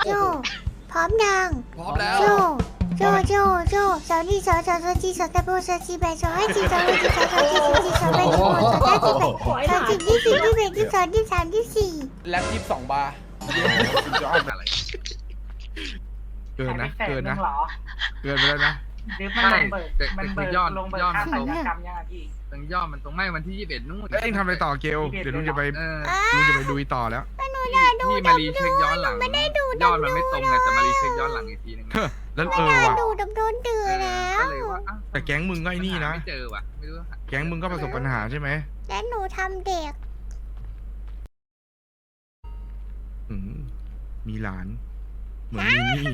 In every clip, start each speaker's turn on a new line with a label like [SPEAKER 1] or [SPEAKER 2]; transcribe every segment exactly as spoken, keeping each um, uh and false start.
[SPEAKER 1] โจพร้อมยัง
[SPEAKER 2] พร้อมแล้ว
[SPEAKER 1] โจโจโจโจสาวนี่สาวสาวสาวจีสาวตะโบสาวจีแบสาวให้จีสาวให้จีสาวสาวจีสาวจีสาวแบสาวสาวจีแบสาวจีที่สี่ที่แบที่สองที่สามที่สี่
[SPEAKER 2] แล็บยี่สิบสองบาร์
[SPEAKER 3] อะไร
[SPEAKER 4] เกินนะเกินนะ
[SPEAKER 5] หรอ
[SPEAKER 4] เกินไปแล้วนะ
[SPEAKER 5] หรือมันลงเบิกมันเบิกลงเบิกค่าสัญญากรรมยังไงพี่
[SPEAKER 3] ตรงย่อมันตรงไม่วันที่ยี่สิบเอ็ดนู่น
[SPEAKER 4] แล้วเอ็งทำอะไรต่อเกลเดี๋ยวลุงจะไป
[SPEAKER 3] เออ
[SPEAKER 4] ลุงจะไปดูอีต่อแล้ว
[SPEAKER 3] พี่มารีเช็คย้อนหลังยอดมันไม่ตรงไงแต่มารีเช็คย้อนหลังอีกทีนึง
[SPEAKER 4] เฮ้อแล้ว
[SPEAKER 1] ไม่
[SPEAKER 4] เออ
[SPEAKER 1] ได้
[SPEAKER 4] ว่ะ
[SPEAKER 1] ดูดับโดนตื่นแล้ว
[SPEAKER 3] ก็เลยว่า
[SPEAKER 4] แต่แก๊งมึงก็ไอ้นี่นะ
[SPEAKER 3] ไม่เจอว่ะไม่รู้
[SPEAKER 4] แก๊งมึงก็ประสบปัญหาใช่ไหม
[SPEAKER 1] และหนูทำเด็ก
[SPEAKER 4] อืมมีหลาน เหมือนมีนี่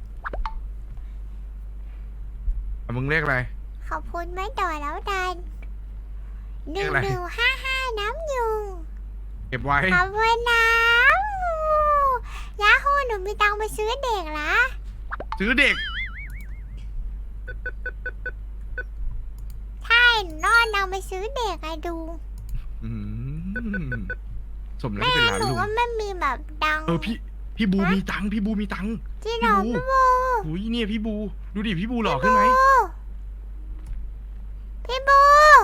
[SPEAKER 4] อ่ะมึงเรียกอะไร
[SPEAKER 1] ขอบคุณไม่ต่อแล้วดันห
[SPEAKER 4] เรี
[SPEAKER 1] นึ่
[SPEAKER 4] ย
[SPEAKER 1] ง
[SPEAKER 4] กอะไร
[SPEAKER 1] หนึ่งห้าห้าน้ำยุง
[SPEAKER 4] เก็บไว้
[SPEAKER 1] ขอบคุณน้ำยาฮูหนูมีตังค์ไปซื้อเด็กละ
[SPEAKER 4] ซื้อเด็ก
[SPEAKER 1] ใช่หนูนอนตังค์ไปซื้อเด็กไอ้ดู
[SPEAKER 4] อืมสมแล้ว
[SPEAKER 1] แม่
[SPEAKER 4] ที่เป็นหลาน
[SPEAKER 1] หนู
[SPEAKER 4] ลุง
[SPEAKER 1] ก็ไม่มีแบบดัง
[SPEAKER 4] เออพี่พี่บูมีตังค์พี่บูมีตังค์
[SPEAKER 1] ที่หนอน
[SPEAKER 4] พี่
[SPEAKER 1] พี่
[SPEAKER 4] บู
[SPEAKER 1] บู
[SPEAKER 4] อุ้ยเนี่ยพี่บู ดูดิพี่บูหล่อขึ้นไหม
[SPEAKER 1] พี่บู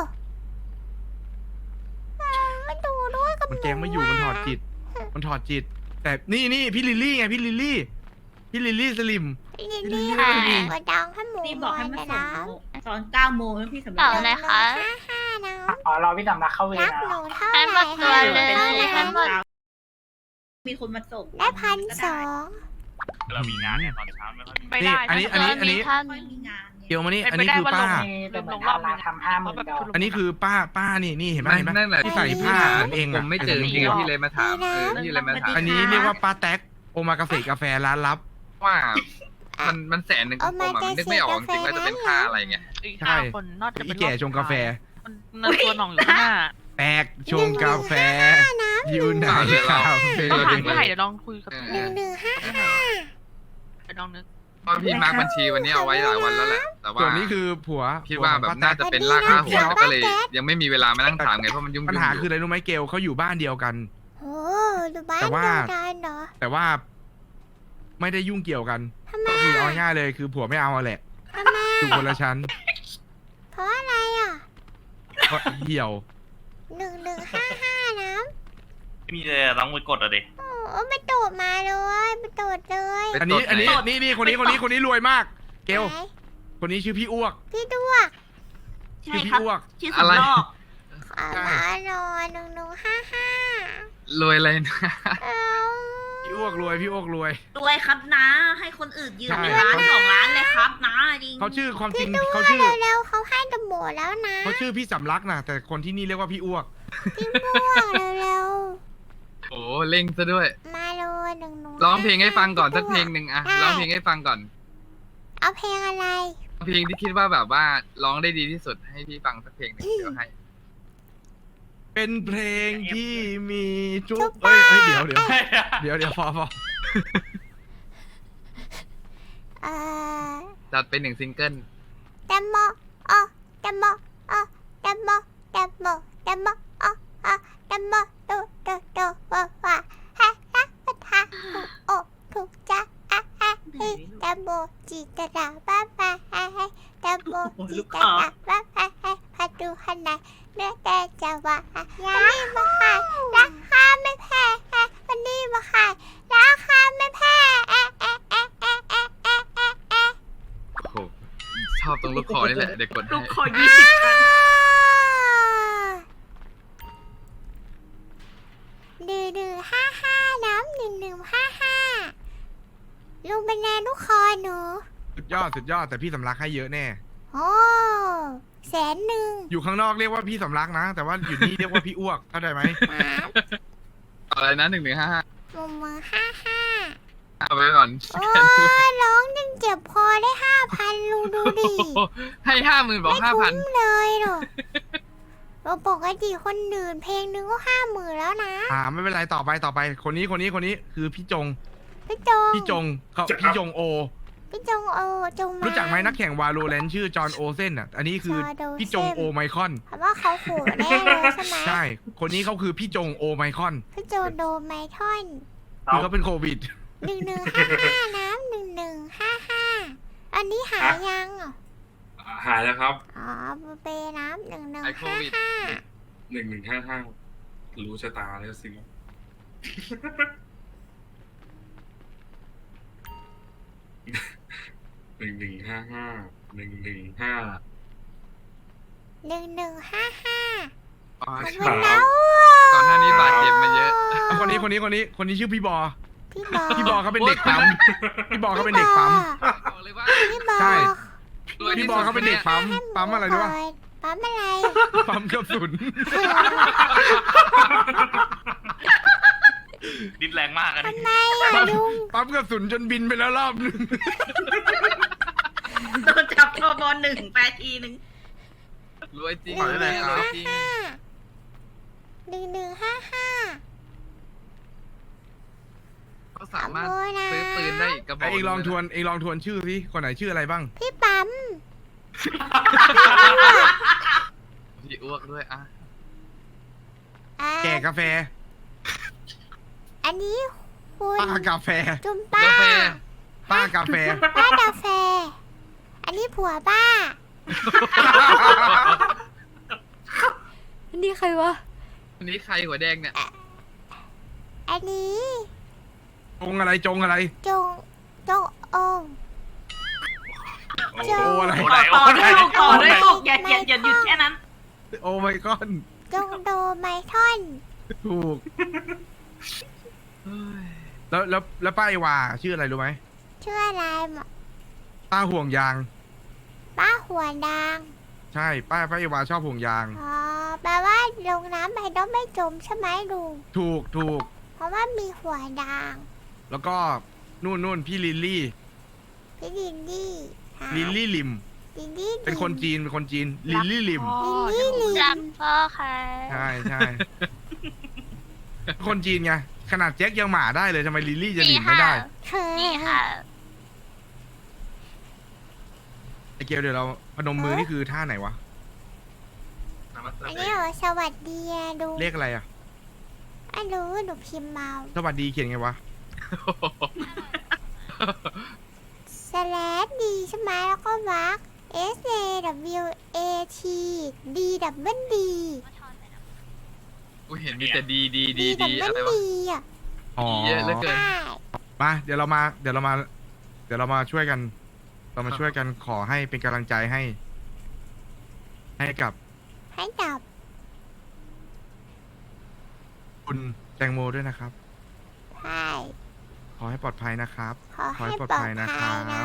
[SPEAKER 1] อ่ามาดูด้วยกับห
[SPEAKER 4] มันแกงไม่อยู่มันถอดจิต มันถอดจิต แต่นี่นี่พี่ลิลลี่ไงพี่ลิลลี่ พี่ลิลลี่สลิม
[SPEAKER 1] พี่ลิลลี่
[SPEAKER 4] ค่ะ
[SPEAKER 1] ก็ดังให้หมู
[SPEAKER 6] นี่บอกให้มา
[SPEAKER 1] แต่
[SPEAKER 6] ส่ง
[SPEAKER 1] นะ
[SPEAKER 6] ตอนเก้าโมงแล้วพี่สำ
[SPEAKER 7] ต่
[SPEAKER 6] รั
[SPEAKER 7] อก อะไรคะ
[SPEAKER 1] ห้าห้านะ
[SPEAKER 5] อ๋อเราพี่สำนักเข้าเวร
[SPEAKER 1] รัก
[SPEAKER 5] นะ
[SPEAKER 1] หนูเท่า
[SPEAKER 7] ให้
[SPEAKER 1] ไห
[SPEAKER 7] มา
[SPEAKER 1] ร่
[SPEAKER 7] ตัวเลย
[SPEAKER 1] ให้หนู
[SPEAKER 7] ให้
[SPEAKER 1] เท่าไหร่
[SPEAKER 7] หมด
[SPEAKER 6] มีคนมาส่ง
[SPEAKER 1] ได้พันสอง
[SPEAKER 8] เรามีงานเนี่ยตอนเช้าไม่ค่อยมี
[SPEAKER 7] ไม่ได้
[SPEAKER 4] อันนี้อันนี้อันนี้
[SPEAKER 7] ท่าน
[SPEAKER 6] ไม่มีงานเนี่ย
[SPEAKER 4] เกียวมานี่
[SPEAKER 7] ไม่
[SPEAKER 4] อันนี้
[SPEAKER 7] ได้
[SPEAKER 4] คือ
[SPEAKER 7] ว่า
[SPEAKER 4] ป้า
[SPEAKER 7] ลง
[SPEAKER 5] แต่เหมือนดาราทำห้าหมื่นดอก
[SPEAKER 4] อันนี้คือป้าป้านี่นี่เห็นไหม
[SPEAKER 3] ไม่
[SPEAKER 4] เห็นไหม
[SPEAKER 3] นั่นแหละ
[SPEAKER 4] ที่ใส่ผ้าเหมือนเอง
[SPEAKER 3] ผ
[SPEAKER 4] อะ
[SPEAKER 3] มไม่เจอจริงพี่เลยมาถามเออพี่เลยมาถาม
[SPEAKER 4] อันนี้เรียกว่าป้าแท็กโอมากาเสกาแฟร้านลับ
[SPEAKER 3] ว่ามันมันแสนหนึ่งของผมมันนึกไม่ออกจริงว่าจะเป็นค่าอะไรเงี้ย
[SPEAKER 7] อีก
[SPEAKER 4] ใช่
[SPEAKER 7] ห้าคนน่าจะ
[SPEAKER 4] อี
[SPEAKER 7] เป็น
[SPEAKER 4] แก่ชงกาแฟ
[SPEAKER 7] มันมันตัวหน่องอยู่ข้างหน้า
[SPEAKER 4] แตกชงกาแฟอยู่ไหนคาเฟ่
[SPEAKER 7] ต้องหาที่ไหนเดี๋ยวลองคุยกับ
[SPEAKER 3] เออ
[SPEAKER 1] หนึ่งหนึ่งห้าห้า
[SPEAKER 7] เดี๋ยวลองนึก
[SPEAKER 3] เพราะพี่มาร์กบัญชีวันนี้เอาไว้หลายวันแล้วแหละแต่ว่า
[SPEAKER 4] ส่วนนี้คือผัว
[SPEAKER 3] คิดว่าแบบ
[SPEAKER 4] ผัขป้
[SPEAKER 3] น่า
[SPEAKER 4] แต๊ก
[SPEAKER 3] จะเป็นลากค่าหัวก็เลย ยังไม่มีเวลามานั่งถามไงเพราะมันยุ่งๆ
[SPEAKER 4] ปัญหาคือ
[SPEAKER 3] อยู่
[SPEAKER 4] อะไรรู้ไหมเกลเขาอยู่บ้านเดียวกัน
[SPEAKER 1] โอ้ดูบ้าน
[SPEAKER 4] แต่ว่า
[SPEAKER 1] เดียวกันเหรอ
[SPEAKER 4] แต่ว่า ไม่ได้ยุ่งเกี่ยวกัน
[SPEAKER 1] ทำไม
[SPEAKER 4] ก็คือเอาง่ายๆเลยคือผัวไม่เอาอะแหละ
[SPEAKER 1] ทำไม
[SPEAKER 4] อยู่คนละชั้น
[SPEAKER 1] เพราะอะไรอ่ะ
[SPEAKER 4] เพราะเหี่ยว
[SPEAKER 1] หนึ่งหนึ่งห้าห้านะ
[SPEAKER 8] ไม่มีเลยอะต้องไปกดอะดิ
[SPEAKER 1] โอ้ไปโดดมาเลยไปโดดเลย
[SPEAKER 3] ไป
[SPEAKER 4] อันนี้
[SPEAKER 3] ตด
[SPEAKER 4] อันนี้
[SPEAKER 3] ไห
[SPEAKER 4] นี่นี่คนนี้คนนี้คนนี้รวยมาก เกล
[SPEAKER 1] ไหน
[SPEAKER 4] คนนี้ชื่อพี่อ้วก
[SPEAKER 1] พี่ด้วก
[SPEAKER 6] ใช่
[SPEAKER 4] ชื่อพี่
[SPEAKER 6] ครับ
[SPEAKER 4] อ้วก
[SPEAKER 6] ชื่อสำรอก
[SPEAKER 1] ขอมาหน่อยหนึ่งหนึ่งห้าห้าร
[SPEAKER 3] วยอะไรนะ
[SPEAKER 1] เอ้า
[SPEAKER 4] พี่อ้วกรวยพี่อ้วกรวย
[SPEAKER 6] รวยครับนะให้คนอื่นยืม
[SPEAKER 4] ใช่
[SPEAKER 6] เป็นล้านสองล้านเลยครับนะจริง
[SPEAKER 4] เขาชื่อความจริ
[SPEAKER 1] พี่
[SPEAKER 4] ง
[SPEAKER 1] ด้ว
[SPEAKER 4] เขา
[SPEAKER 1] ก
[SPEAKER 4] ชื่อ
[SPEAKER 1] เร็วๆเขาให้ตำรวจแล้วนะ
[SPEAKER 4] เขาชื่อพี่สำลักนะแต่คนที่นี่เรียกว่าพี่อ้วก
[SPEAKER 1] พี่ด้วกเร็ว
[SPEAKER 3] โอ้เล่งซะด้วย
[SPEAKER 1] ๆมาเลยหนึ่งหนึ่ง
[SPEAKER 3] ร้องเพลงให้ฟังก่อนสักเพลงหนึ่งอะร้องเพลงให้ฟังก่อน
[SPEAKER 1] เอาเพลงอะไร
[SPEAKER 3] เพลงที่คิดว่าแบบว่าร้องได้ดีที่สุดให้พี่ฟังสักเพลงหนึ่งเดี๋ยวให้
[SPEAKER 4] เป็นเพลงที่มีจุ๊บเอ้ยเอ้ยเดี๋ยวเดี๋ยวเดี๋ยวเดี๋ยวพอพอ
[SPEAKER 1] เอ่อ
[SPEAKER 3] จัดไปหนึ่งซิงเกิล
[SPEAKER 1] แตมโมอ๋อแตมโมอ๋อแตมโมแตมโมแตมโมอ๋ออ๋อแตมโมโดโดโดว้าว้าฮ่าฮ่าฮ่าฮ่าโอ้ถูกจ้าอ่ะอ่ะเฮ้ยแตมโมจิตระบ้าบ้าฮ่าฮ่าแตมโมจิตระบ้าบ้าฮ่าพาดูข้างในเนื้อแต่จะว่าวันนี้มาขายราคาไม่แพงวันนี้มาขายราคาไม่แพงเอ๊ะเอ๊ะเอ๊ะเอ๊ะเอ๊ะเอ๊ะเอ๊ะเอ๊ะ
[SPEAKER 3] โอ้โหชอบตรงลูกคอนี่แหละเดี๋ยวกด
[SPEAKER 6] ลู
[SPEAKER 3] ให้
[SPEAKER 6] กคอยี่สิบกัน
[SPEAKER 1] หนึ่งหนึ่งห้าห้าน้ำหนึ่งหนึ่งห้าห้าลุงเป็นแนลูกคอหนู
[SPEAKER 4] สุดยอดสุดยอดแต่พี่สำลักให้เยอะแน่
[SPEAKER 1] โอ้แสนหนึ่ง
[SPEAKER 4] อยู่ข้างนอกเรียกว่าพี่สำลักนะ แต่ว่าอยู่นี่เรียกว่าพี่อ้วกเข้าใจไหม
[SPEAKER 1] หมา
[SPEAKER 3] อะไรนะหนึ่งหนึ่งห้าห้า
[SPEAKER 1] มุมมือห้าห้า
[SPEAKER 3] เอาไปก่อน
[SPEAKER 1] โอ้ยร้องจนเจ็บคอได้ห้าพันลุงดูดิ
[SPEAKER 3] โอ้โหให้ห้าหมื่นบอก
[SPEAKER 1] ไม่
[SPEAKER 3] ห้าพัน
[SPEAKER 1] คุ้มเลยหรอกเราปกติคนอื่นเพลงนึงก็ห้าหมื่นแล้วนะ
[SPEAKER 4] อ่าไม่เป็นไรต่อไปต่อไป คนนี้คนนี้คนนี้คือพี่จง
[SPEAKER 1] พี่จง
[SPEAKER 4] พี่จงเขาพี่จงโอ
[SPEAKER 1] พี่จงโอจงมา
[SPEAKER 4] รู้จักไหมนักแข่งวาโลแรนชื่อจอห์นโอเซนอ่ะ อันนี้คือ
[SPEAKER 1] จอห์นโอเซ่น
[SPEAKER 4] พี่จงโอไมคอน
[SPEAKER 1] เพราะว่าเขาขู่แน่เลยใช่ไหม
[SPEAKER 4] ใช่ คนนี้เขาคือพี่จงโอไมคอน
[SPEAKER 1] พี่โจโดไมทอน
[SPEAKER 4] คือเขาเป็นโควิด
[SPEAKER 1] หนึ่งหนึ่งห้าห้าน้ำหนึ่งหนึ่งห้าห้าอันนี้หายยังอ่ะ
[SPEAKER 2] หายแล้วครับ
[SPEAKER 1] อ๋อเปน้ำหนึ่งหนึ่ง
[SPEAKER 3] ไอโค
[SPEAKER 1] ห้า
[SPEAKER 3] วิด
[SPEAKER 1] ห้า
[SPEAKER 2] หนึ่งหนึ่งห้าห้ารู้ชะตาแล้วสิ หนึ่งหนึ่งห้าห้าหนึ่งหนึ่งห้า
[SPEAKER 1] หนึ่งหนึ่งห้าห้า
[SPEAKER 3] อ๋อ
[SPEAKER 1] ขอบ
[SPEAKER 3] ใช่
[SPEAKER 1] คุณนะ
[SPEAKER 3] ก่อนหน้านี้บาดเจ็บมาเยอะ
[SPEAKER 4] เอาคนนี้คนนี้คนนี้คนนี้ชื่อพี่บอ
[SPEAKER 1] พี่บอ
[SPEAKER 4] พี่บอเขาเป็นเด็กปั๊มพี่บอเขาเป็นเด็กปั๊ม
[SPEAKER 3] บอกเลยว่า
[SPEAKER 1] พี่บอ
[SPEAKER 4] ใช่
[SPEAKER 3] รวยที่
[SPEAKER 4] พี่บ
[SPEAKER 3] สุ
[SPEAKER 4] อ
[SPEAKER 3] ด
[SPEAKER 4] เขาเป็นเด็กปั๊มปั๊มอะไรรู้ป่ะ
[SPEAKER 1] ปั๊มอะไร
[SPEAKER 4] ปั๊มกระสุน
[SPEAKER 8] ดิ้นแรงมากอะดิ
[SPEAKER 1] ทำไมอ่ะลุง
[SPEAKER 4] ปั๊มกระสุนจนบินไปแล้วรอบนึง
[SPEAKER 6] โดนจับทบหนึ่งแปดทีหนึ่ง
[SPEAKER 3] รวยจริง
[SPEAKER 1] หนึ่งหนึ่ง
[SPEAKER 3] รวย
[SPEAKER 1] ห้า
[SPEAKER 3] จริง
[SPEAKER 1] ห้าหนึ่งหนึ่งห้าห้า
[SPEAKER 3] เขาสามารถ
[SPEAKER 1] ขอบคุณนะ
[SPEAKER 3] ซื้อปืนได้อีกกระบอ
[SPEAKER 4] ไอ้
[SPEAKER 3] ก
[SPEAKER 4] เองลองทวน
[SPEAKER 3] หนึ่
[SPEAKER 4] เองลองทวนชื่อสิคนไหนชื่ออะไรบ้าง
[SPEAKER 1] พี่ปั๊ม
[SPEAKER 3] งพี่อ้วกด้วยอ่ะ
[SPEAKER 1] อ่า
[SPEAKER 4] แก่กาแฟ
[SPEAKER 1] อันนี้คุณ
[SPEAKER 4] ป้ากาแฟ
[SPEAKER 1] จุมป้าก
[SPEAKER 3] าแฟ
[SPEAKER 4] ป้ากาแฟ
[SPEAKER 1] ป้ากาแฟ อันนี้ผัวป้า
[SPEAKER 9] อันนี้ใครวะ
[SPEAKER 3] วันนี้ใครหัวแดงเนี่ย
[SPEAKER 1] อันนี้
[SPEAKER 4] จงอะไรจงอะไร
[SPEAKER 1] จงจงองค์
[SPEAKER 8] โอ้
[SPEAKER 1] เจ้า
[SPEAKER 8] โห
[SPEAKER 4] อะไร
[SPEAKER 8] ไหน
[SPEAKER 6] ต่อ
[SPEAKER 8] โอ้ไหน
[SPEAKER 6] ด้วยลูกต่อด้วยลูกอย่าอย่าอย่าหยุดแค่นั้น
[SPEAKER 4] โอ้ไม่ก้อน
[SPEAKER 1] จงโดไมทอน
[SPEAKER 4] ถูก แล้วแล้วแล้วป้าไอวาชื่ออะไรรู้ไหม
[SPEAKER 1] ชื่ออะไรหมอ
[SPEAKER 4] ป้าห่วงยาง
[SPEAKER 1] ป้าหัวดาง
[SPEAKER 4] ใช่ป้าป้าไอวาชอบห่วงยาง
[SPEAKER 1] อ๋อแปลว่าลงน้ำไปต้องไม่จมใช่ไหมลุง
[SPEAKER 4] ถูกถูก
[SPEAKER 1] เพราะว่ามีหัวดาง
[SPEAKER 4] แล้วก็นู่นนู่นพี่ลิลลี่
[SPEAKER 1] พี่ลินลี่ค่ะ
[SPEAKER 4] ลิลลี่ลิม
[SPEAKER 1] ลินลี่
[SPEAKER 4] เป็นคนจีนเป็นคนจีนลิลลี่ลิม
[SPEAKER 1] ลินลี่ลิ
[SPEAKER 9] รั
[SPEAKER 1] น
[SPEAKER 9] กพ่อค่ะ
[SPEAKER 4] ใช่ใช่คนจีนไงขนาดแจ็คยังหมาได้เลยทำไมลิลลี่จะลิมไม่ได้
[SPEAKER 9] นี่ค่ะ
[SPEAKER 4] ไอเกลเดี๋ยวเราพนมมือนี่คือท่าไหนวะ
[SPEAKER 1] อันนี้เหรอสวัสดีอะลุง
[SPEAKER 4] เลขอะไรอ่ะ
[SPEAKER 1] ไม่รู้หนูพิมพ์เมา
[SPEAKER 4] สวัสดีเขียนไงวะ
[SPEAKER 1] สแลดดีใช่ไหมแล้วก็วัก S A W A T D W D
[SPEAKER 3] กูเห็นมีแต่ดีดีดี
[SPEAKER 1] D
[SPEAKER 3] ดีอะไร
[SPEAKER 1] W
[SPEAKER 3] วะ
[SPEAKER 1] D อ่ะ
[SPEAKER 4] อ๋อ
[SPEAKER 3] เยอะเหลือเกิน
[SPEAKER 1] ใช่
[SPEAKER 4] มาเดี๋ยวเรามา เดี๋ยวเรามา เดี๋ยวเรามาช่วยกัน เรามาช่วยกันขอให้เป็นกำลังใจให้ ให้กับ
[SPEAKER 1] ให้ดับ
[SPEAKER 4] คุณแตงโมด้วยนะครับ
[SPEAKER 1] ใช่
[SPEAKER 4] ขอให้ปลอดภัยนะครับ
[SPEAKER 1] ขอ
[SPEAKER 4] ขอให้
[SPEAKER 1] ให้
[SPEAKER 4] ป
[SPEAKER 1] ป
[SPEAKER 4] ล
[SPEAKER 1] ล
[SPEAKER 4] อ
[SPEAKER 1] อ
[SPEAKER 4] ด
[SPEAKER 1] ด
[SPEAKER 4] ภั
[SPEAKER 1] ภั
[SPEAKER 4] ย
[SPEAKER 1] ย
[SPEAKER 4] นะ
[SPEAKER 1] นะครับ น้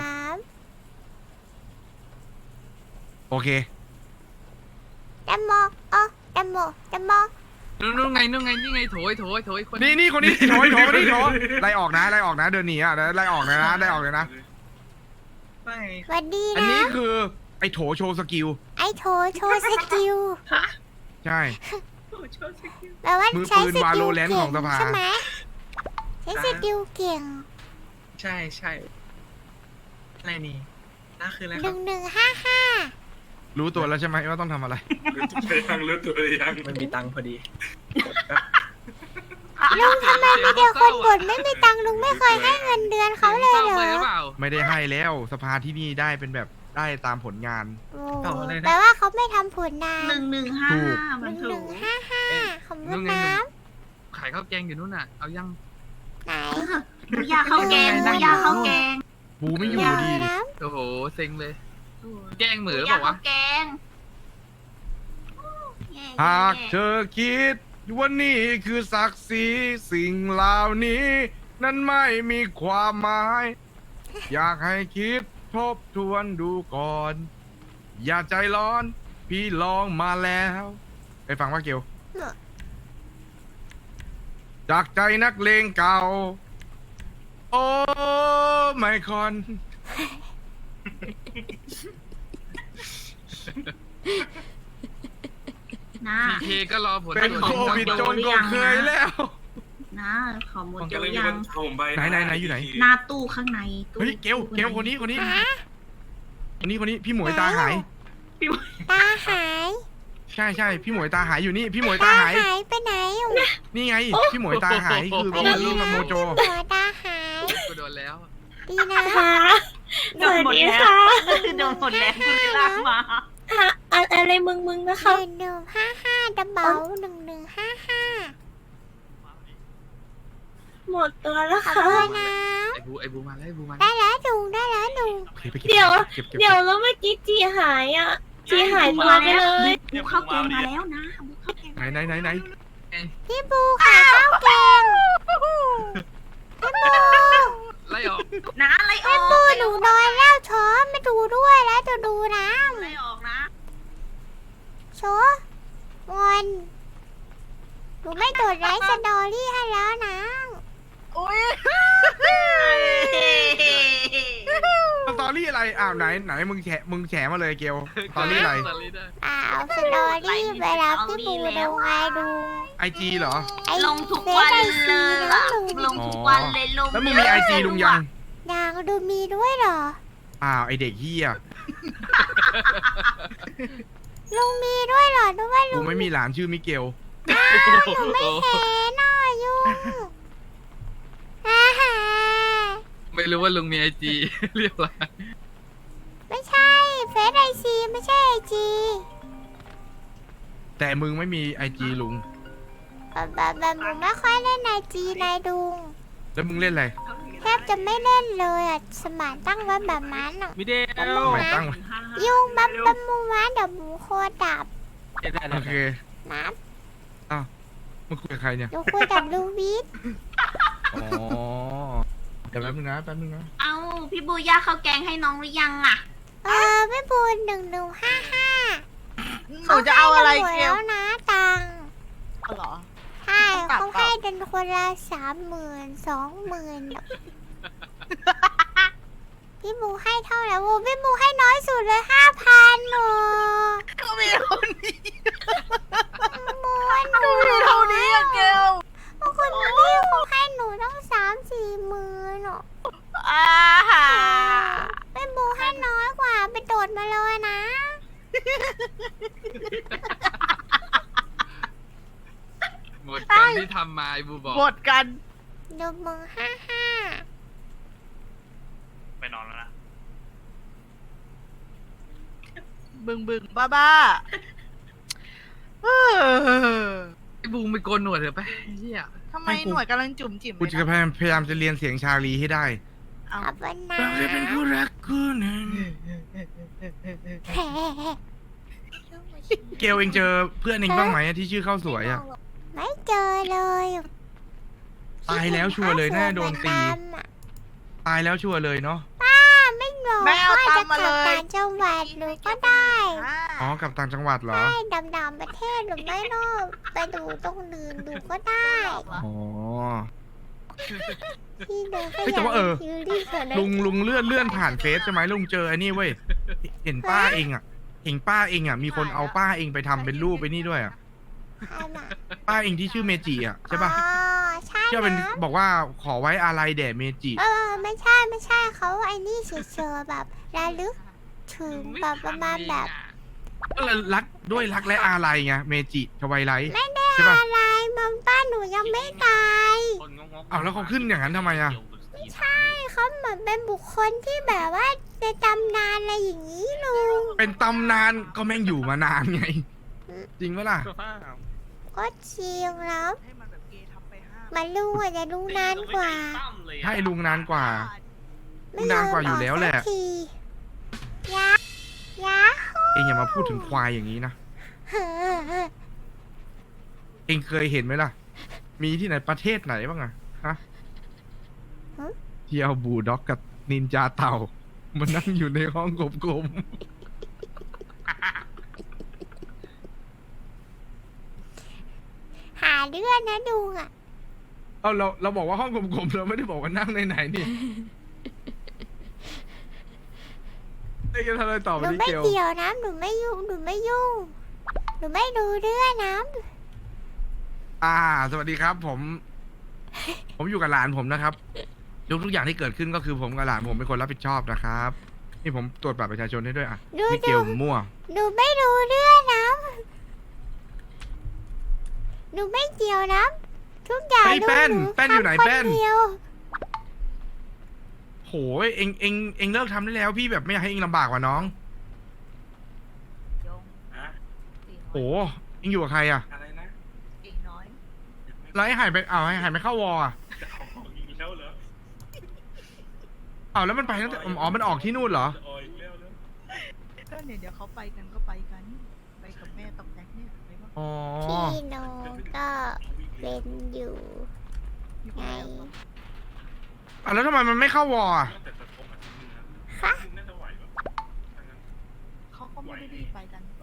[SPEAKER 4] โอเค
[SPEAKER 1] ำแตงโมเออแตงโมแตงโม
[SPEAKER 3] นู่นนู่นไงนู่นไงนี่ไงโถยโถยโถยคน
[SPEAKER 4] นี่นี่คนนี้โถยโถยนี่โถยไล่ออกนะ ไล่ออกนะ เดินหนีอ่ะไล่ออกเลยนะไล่ออกเลยนะ
[SPEAKER 3] ไม่
[SPEAKER 1] สวัสดี
[SPEAKER 4] อัน
[SPEAKER 1] นะ
[SPEAKER 4] นี้คือไอ้โถโชว์สกิล
[SPEAKER 1] ไอโถโชว์สกิล
[SPEAKER 4] ใช่
[SPEAKER 1] แปลว่า
[SPEAKER 4] มือ
[SPEAKER 1] ใช้
[SPEAKER 4] ปืน
[SPEAKER 1] สกิล
[SPEAKER 4] Valorant
[SPEAKER 1] เก่
[SPEAKER 4] ของสภา
[SPEAKER 1] ใช่ไหมใช้สกิลเก่ง
[SPEAKER 5] ใช่ใช่อะไรนี่น่าคืออะไร
[SPEAKER 1] ห
[SPEAKER 5] ครั
[SPEAKER 1] นึ่
[SPEAKER 5] บ
[SPEAKER 1] งหนึ่งห้าห้า
[SPEAKER 4] รู้ตัวแล้วใช่ไหมว่าต้องทำอะไร
[SPEAKER 2] รู้ตัวยังรู้ตัวยัง
[SPEAKER 5] มันมีตังค์พอดี
[SPEAKER 1] ลุงทำไมมีแต่คนบ่นไม่มีตังค์ลุงไม่เคยให้เงินเดือนเขาเลย
[SPEAKER 3] ศร้
[SPEAKER 1] เหรอ
[SPEAKER 3] ไปหรือเปล่า
[SPEAKER 4] ไม่ได้ให้แล้วสภาที่นี่ได้เป็นแบบได้ตามผลงาน
[SPEAKER 1] โอ้
[SPEAKER 5] เอาอะไรนะ
[SPEAKER 1] แปลว่าเขาไม่ทำผลนาน
[SPEAKER 6] หนึ่งหนึ่งห้า
[SPEAKER 4] ถูก
[SPEAKER 6] ห้า
[SPEAKER 1] ห
[SPEAKER 6] มัน
[SPEAKER 1] นึ่งห
[SPEAKER 6] ถู
[SPEAKER 1] นึ่
[SPEAKER 6] ก
[SPEAKER 1] งห้าห้าขอบคุ
[SPEAKER 3] นู่
[SPEAKER 1] ณ
[SPEAKER 3] นไง
[SPEAKER 1] น้
[SPEAKER 3] นู่นขายข้าวแกงอยู่นู่นน่ะ เอายัง
[SPEAKER 1] ำไหน
[SPEAKER 6] หมูย่างข้าวแกงหมูย่างข้าวแกง
[SPEAKER 4] ปูไม่อยู่
[SPEAKER 1] เดี๋ยว
[SPEAKER 4] ดี
[SPEAKER 1] น้
[SPEAKER 3] โอ้โหเซ็งเลย แกงเห
[SPEAKER 6] ห
[SPEAKER 3] มื
[SPEAKER 6] มู
[SPEAKER 3] อหรือเป
[SPEAKER 6] ย่าง
[SPEAKER 3] ล่าวะ
[SPEAKER 6] ข้าวแกง
[SPEAKER 4] หากเธอคิดว่านี่คือศักดิ์ศรีสิ่งเหล่านี้ นั้นไม่มีความหมาย อยากให้คิดทบทวนดูก่อน อย่าใจร้อน พี่ลองมาแล้วไปฟังว่าเกียว จากใจนักเลงเก่า โอ้ไม่คอน
[SPEAKER 6] นะ
[SPEAKER 3] พีเคก็รอผล
[SPEAKER 4] เป็น
[SPEAKER 3] ตรวจ
[SPEAKER 4] โควิดจนก็เคยแล้ว
[SPEAKER 6] นะขอหมด
[SPEAKER 2] ผม
[SPEAKER 6] เดี
[SPEAKER 2] ก็
[SPEAKER 6] ยว
[SPEAKER 2] เลยมี
[SPEAKER 6] ยั
[SPEAKER 2] ค
[SPEAKER 6] ง
[SPEAKER 2] นเอาผมไป
[SPEAKER 4] ไหนไหนไหนอยู่ไหน
[SPEAKER 6] หน้าตู้ข้างในตู้
[SPEAKER 4] เฮ้ยเกลเกลคนนี้คนนี้
[SPEAKER 1] ำฮะ
[SPEAKER 4] คนนี้คนนี้พี่หมวยตาหาย
[SPEAKER 1] ตาหาย
[SPEAKER 4] ใช่ใช่พี่หมวยตาหายอยู่นี่ พี่หมวยตา
[SPEAKER 1] ตา
[SPEAKER 4] หาย
[SPEAKER 1] หายไปไหนอยู่
[SPEAKER 4] นี่ไง พี่หมวยตาหายคือพี่นี่มันโมโจ
[SPEAKER 1] หัวตาหาย
[SPEAKER 3] คุณ
[SPEAKER 1] ดีนะ
[SPEAKER 6] โดนหมดแล้วโดนหมดแล้วคุณลากมา
[SPEAKER 9] อะไรมึงมึงนะ
[SPEAKER 1] ห
[SPEAKER 9] คะ
[SPEAKER 1] นึ่งหนึ่งห้าห้าดับเบิลหนึ่งหนึ่งห้าห้า
[SPEAKER 9] หมดตัวแล้ว
[SPEAKER 1] ขอบ
[SPEAKER 9] ค่ะ
[SPEAKER 1] คุณนะ
[SPEAKER 3] ไอ้บูไอ้บูมาแล้วไอ้บูมาแล้ว
[SPEAKER 1] ได้แล้วดุงได้แล้วดุง
[SPEAKER 4] โอเคไปเก็บ
[SPEAKER 9] เดี๋ยว
[SPEAKER 4] เก็บเก็บ
[SPEAKER 9] เดี๋ยวแล้วเมื่อกี้จีหายอ่ะ จีหายตัวไปเลย
[SPEAKER 6] บุกเข้าเกมมาแล้วนะบุกเข้าเกม
[SPEAKER 4] ไหนไหนไหนไหน
[SPEAKER 1] พี่บูค่ะข้าวแกงพี่บู
[SPEAKER 3] ไล่ออก
[SPEAKER 6] นะไล่ออ
[SPEAKER 1] พี่
[SPEAKER 6] ก
[SPEAKER 1] บูหนูนอนแล้วช้อไม่ดูด้วยแล้วจะดูนะ
[SPEAKER 6] ไล่ออกนะ
[SPEAKER 1] ช้อ งอนหนูไม่โดดไลฟ์สตอรี่ให้แล้วนะ
[SPEAKER 4] สตอรี่อะไรอ้าวไหนไหนมึงแฉมึงแฉมาเลยเกลสตอรี่อะไร
[SPEAKER 3] สตอรี่ได้
[SPEAKER 1] อ้าวสตอรี่เวลาพี่บูดูไงดู
[SPEAKER 4] ไอจีเหรอ
[SPEAKER 1] ไอ้
[SPEAKER 6] ลงทุกวันเลย
[SPEAKER 1] เฟซไอจีแล้วหนู
[SPEAKER 6] ลงทุกวันเลยลง
[SPEAKER 4] แล้วมึงมีไอจีลุงยัง
[SPEAKER 1] นางดูมีด้วยเหรอ
[SPEAKER 4] อ้าวไอเด็กเฮีย
[SPEAKER 1] ลุงมีด้วยเหรอดูว่า
[SPEAKER 4] กู
[SPEAKER 1] ลุง
[SPEAKER 4] ไม่มีหลานชื่อมิเกล
[SPEAKER 1] หนูไม่เห็นน่ะยุ่งฮ่าฮ่า
[SPEAKER 3] ไม่รู้ว่าลุงมีไอจี เรียบร้อย
[SPEAKER 1] ไม่ใช่เฟซไอซีไม่ใช่ไอจี
[SPEAKER 4] แต่มึงไม่มีไอจีลุง
[SPEAKER 1] แบบแบบแบบหนูไม่ค่อยเล่นไอจีนายดุง
[SPEAKER 4] แล้วมึงเล่นอะไร
[SPEAKER 1] แทบจะไม่เล่นเลยอ่ะสมานตั้งไว้แบบนั้นอ่ะ
[SPEAKER 5] มิเดล
[SPEAKER 1] แป๊บนึ
[SPEAKER 4] ทำ
[SPEAKER 1] ง
[SPEAKER 4] ไม
[SPEAKER 1] นะ
[SPEAKER 4] ตั้งไว้
[SPEAKER 1] ยุ่งบับบับมูวานเดี๋ยวหมูโคดับ
[SPEAKER 4] โอเค
[SPEAKER 1] นะ
[SPEAKER 4] มึงคุยกับใครเนี่ย
[SPEAKER 1] หนูคุยกับลูวิท
[SPEAKER 4] อ๋อเดี๋ยวแป๊บนึงนะแป๊บนึงนะ
[SPEAKER 6] เอาพี่บูย่าข้าวแกงให้น้องหรือยังอ่ะ
[SPEAKER 1] เออไม่บูนหนึ่งหนึ่งห้าห้า
[SPEAKER 7] หนูจะเอาอะไร
[SPEAKER 1] เก
[SPEAKER 7] เก
[SPEAKER 1] ล
[SPEAKER 7] ล
[SPEAKER 1] นะตังค์
[SPEAKER 7] เหรอ
[SPEAKER 1] ใช่
[SPEAKER 7] ต้องกลับ
[SPEAKER 1] เขาให้กันคนละสามหมื่นสองหมื่นพี่บูให้เท่าไหร่โอ้พี่บูให้น้อยสุดเลยห้าพันหนู
[SPEAKER 7] ก็มีเท่านี้
[SPEAKER 1] บูหนู
[SPEAKER 7] ก็มีเท่านี้อะเกล
[SPEAKER 1] บางคนพี่เขาให้หนูต้องสามสี่หมื่นหนู
[SPEAKER 7] อ่าฮะ
[SPEAKER 1] พี่บูให้น้อยกว่าไปโดดมาเลยนะ
[SPEAKER 3] หมดกันที่ทำมาไอ้บูบอก
[SPEAKER 7] หมดกัน
[SPEAKER 1] หนึ่งหมื่นห้าห้า
[SPEAKER 8] ไปนอนแล้วนะ
[SPEAKER 7] บึงบึงบ้าบ้าเออ
[SPEAKER 3] ไอ้บูไม่โกนหนวดเถอะไปไอ้เฮีย
[SPEAKER 7] ทำไมหน่วยกำลังจุ่มจิ๋ม
[SPEAKER 4] กู
[SPEAKER 7] เลย
[SPEAKER 4] จะ
[SPEAKER 7] นะ
[SPEAKER 4] พยายามพยายามจะเรียนเสียงชาลีให้ได้
[SPEAKER 7] เอา
[SPEAKER 1] ขอบคุณนะ
[SPEAKER 4] เราจะเป็นคู่รักคู่หนึ่ง
[SPEAKER 1] แหม
[SPEAKER 4] เกลเองเจอเพื่อนเองบ้างไหมที่ชื่อข้าวสวยอ่ะ
[SPEAKER 1] ไม่เจอเลย
[SPEAKER 4] ตายแล้วชัวร์เลยน่าโดนตี
[SPEAKER 1] เหมือดำอะ
[SPEAKER 4] ตายแล้วชัวร์เลยเนาะ
[SPEAKER 1] ป้าไม่หรอก
[SPEAKER 7] ไม่เอา
[SPEAKER 1] ก็
[SPEAKER 7] ตั
[SPEAKER 1] จะ
[SPEAKER 7] งค์
[SPEAKER 1] ก
[SPEAKER 7] มา
[SPEAKER 1] ลั
[SPEAKER 7] เล
[SPEAKER 1] บ
[SPEAKER 7] ย
[SPEAKER 1] ต่างจังหวัดหนูก็ได้
[SPEAKER 4] อ๋อกลับต่างจังหวัดเหรอ
[SPEAKER 1] ใช่ดำๆประเทศหรือไม่นอกไปดูตรงอื่นดูก็ได้
[SPEAKER 4] อ๋อ
[SPEAKER 1] พี่เดิน
[SPEAKER 4] เฮ้ยแต่ว่าเออ
[SPEAKER 1] คิวรี่เขินนะ
[SPEAKER 4] ลุงลุงเลื่อนเลื่อนผ่านเฟซใช่ไหมลุงเจอไอ้นี่เว้ย เห็นป้าเองอ่ะ เห็นป้าเองอ่ะ มีคนเอาป้าเองไปทำเป็นรูปไปนี่ด้วยอ่ะ
[SPEAKER 1] ใช่น่ะ
[SPEAKER 4] ป้าเองที่ชื่อเมจิอ่ะใช่ปะ
[SPEAKER 1] อ๋อใช่
[SPEAKER 4] ที่เป็น
[SPEAKER 1] นะ
[SPEAKER 4] บอกว่าขอไว้อาลัยแด่เมจิ
[SPEAKER 1] เออไม่ใช่ไม่ใช่เขาไอ้นี่เฉยๆแบบระลึกถึงแบบประมาณแบบ
[SPEAKER 4] ก็เลยรักด้วยรักและอาลัยไงเมจิทวายไลท์
[SPEAKER 1] ไม่ได้
[SPEAKER 4] ใช่ปะ
[SPEAKER 1] อะไรมัมป้าหนูยังไม่ตาย
[SPEAKER 8] คนงงๆ
[SPEAKER 4] อ้าวแล้วเขาขึ้นอย่างนั้นทำไมอ่ะ
[SPEAKER 1] ใช่เขาเหมือนเป็นบุคคลที่แบบว่าในตำนานอะไรอย่างนี้ลุง
[SPEAKER 4] เป็นตำนานก็แม่งอยู่มานานไง จริงไหมล่ะ
[SPEAKER 1] ก็จริงแล้ว
[SPEAKER 7] ให้มันแบบเกย์ทำไปห้า
[SPEAKER 1] มันลุงอาจจะรู้นานกว่า
[SPEAKER 4] ใช่ลุงนานกว่า
[SPEAKER 1] ไม่
[SPEAKER 4] นานกว่าอยู่แล้วแหละ
[SPEAKER 1] ยมกสักทียะยะ
[SPEAKER 4] เองอย่ามาพูดถึงควายอย่างนี้นะ
[SPEAKER 1] เฮ้อ
[SPEAKER 4] เองเคยเห็นไหมล่ะ มีที่ไหนประเทศไหนบ้างอะฮะที่เอาบูลด็อกกับนินจาเต่ามันนั่งอยู่ในห้องกลม
[SPEAKER 1] หาเรื่องนะลุงอ่ะ
[SPEAKER 4] ๆเอาเราเราบอกว่าห้องกลมๆเราไม่ได้บอกว่านั่งในไหนนี่เอ้ยจะทำอะไรต่อ
[SPEAKER 1] ห
[SPEAKER 4] ไป
[SPEAKER 1] นู
[SPEAKER 4] ดิ
[SPEAKER 1] ไม่
[SPEAKER 4] เกล
[SPEAKER 1] เกี่ยวนะหนูไม่ยุ่งหนูไม่ยุ่งหนูไม่ดูเรื่องนะ
[SPEAKER 4] อ่า สวัสดีครับ ผม ผมอยู่กับหลานผมนะครับทุกทุกอย่างที่เกิดขึ้นก็คือผมกับหลานผมเป็นคนรับผิดชอบนะครับ นี่ผมตรวจบัตรประชาชนให้ด้วยอ่ะ
[SPEAKER 1] ดู
[SPEAKER 4] นี่เก
[SPEAKER 1] ดู
[SPEAKER 4] ลมั่ว
[SPEAKER 1] หนูไม่ดูเรื่องนะหนูไม่เกี่ยวนะทุกอย่าง
[SPEAKER 4] เฮ้ย
[SPEAKER 1] ดู
[SPEAKER 4] แป้น
[SPEAKER 1] หนู
[SPEAKER 4] แป้นอยู่ไหน
[SPEAKER 1] ทำค
[SPEAKER 4] แป้น
[SPEAKER 1] เดียว
[SPEAKER 4] โหยเองเองเองเลิกทำได้แล้วพี่แบบไม่อยากให้เองลำบากกว่าน้อง
[SPEAKER 7] ยง
[SPEAKER 2] อะ
[SPEAKER 4] โหเองอยู่กับใครอะ
[SPEAKER 2] อะไรนะ
[SPEAKER 7] อีกน้อย
[SPEAKER 4] แล้วไอ้หายไปอ้าวไอ้หายไปเข้าวอลอะ
[SPEAKER 2] จะเอาของอีกแล้วเหรอ
[SPEAKER 4] อ้าวแล้วมันไปตั้งแต่อ๋อมันออกที่นู่นเหรอ
[SPEAKER 2] จะเอาอีกแล้วเหรอ
[SPEAKER 7] ก็เนี่ยเดี๋ยวเขาไปกันก็ไปกัน ไปกับแม่ตอกแตกเนี่ยไปว่า
[SPEAKER 4] อ๋อ
[SPEAKER 1] พี่โนก็เป็นอยู่
[SPEAKER 7] อยู่
[SPEAKER 1] ไง
[SPEAKER 7] กับแม่
[SPEAKER 4] อ่ะแล้วทำไมมันไม่เข้าวอลอะ
[SPEAKER 2] แต่จะทบอาทิตย์นึงนะ
[SPEAKER 1] คะ
[SPEAKER 2] น่าจะไหวปะถ้างั้น
[SPEAKER 7] เขาก็ไม่ได้รีบไปกัน